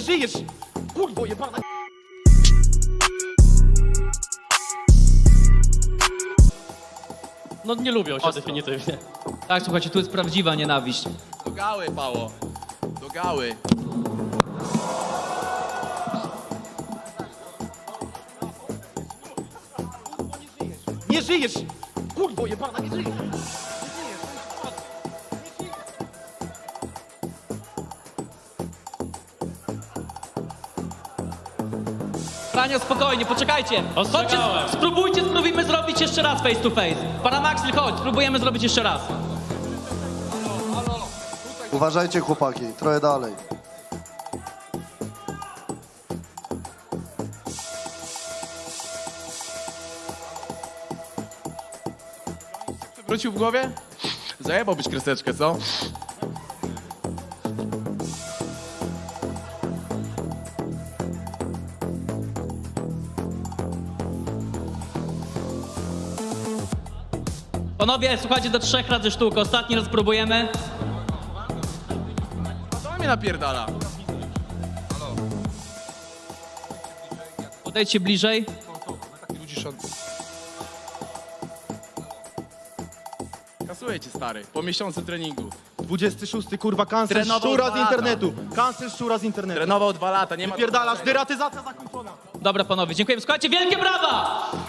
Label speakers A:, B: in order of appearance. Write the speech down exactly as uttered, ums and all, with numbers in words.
A: żyjesz! Kurwo jebana! No nie lubią się definitywnie.
B: Tak, słuchajcie, tu jest prawdziwa nienawiść.
C: Do gały, Pało. Do gały.
A: Nie żyjesz! Kurwo jebana, nie żyjesz!
B: Franio, spokojnie, poczekajcie. Chodźcie,
A: Ostrzegałem.
B: spróbujcie, spróbujmy zrobić jeszcze raz face to face. Pana Maxil, chodź, spróbujemy zrobić jeszcze raz.
D: Uważajcie, chłopaki, trochę dalej.
C: Wrócił w głowie? Zajebałbyś kreseczkę, co?
B: Panowie, słuchajcie, do trzech razy sztukę. Ostatni raz spróbujemy.
C: Co mnie napierdala?
B: Podejdźcie bliżej.
C: Kasuję cię, stary. Po miesiącu treningu.
A: dwudziesty szósty kurwa, cancel
C: Trenował
A: szczura
C: dwa
A: z
C: lata.
A: internetu! Cancel szczura z internetu!
C: Trenował dwa lata, nie ma...
A: Pierdalasz, deratyzacja zakończona!
B: Dobra, panowie, dziękujemy. Słuchajcie, wielkie brawa!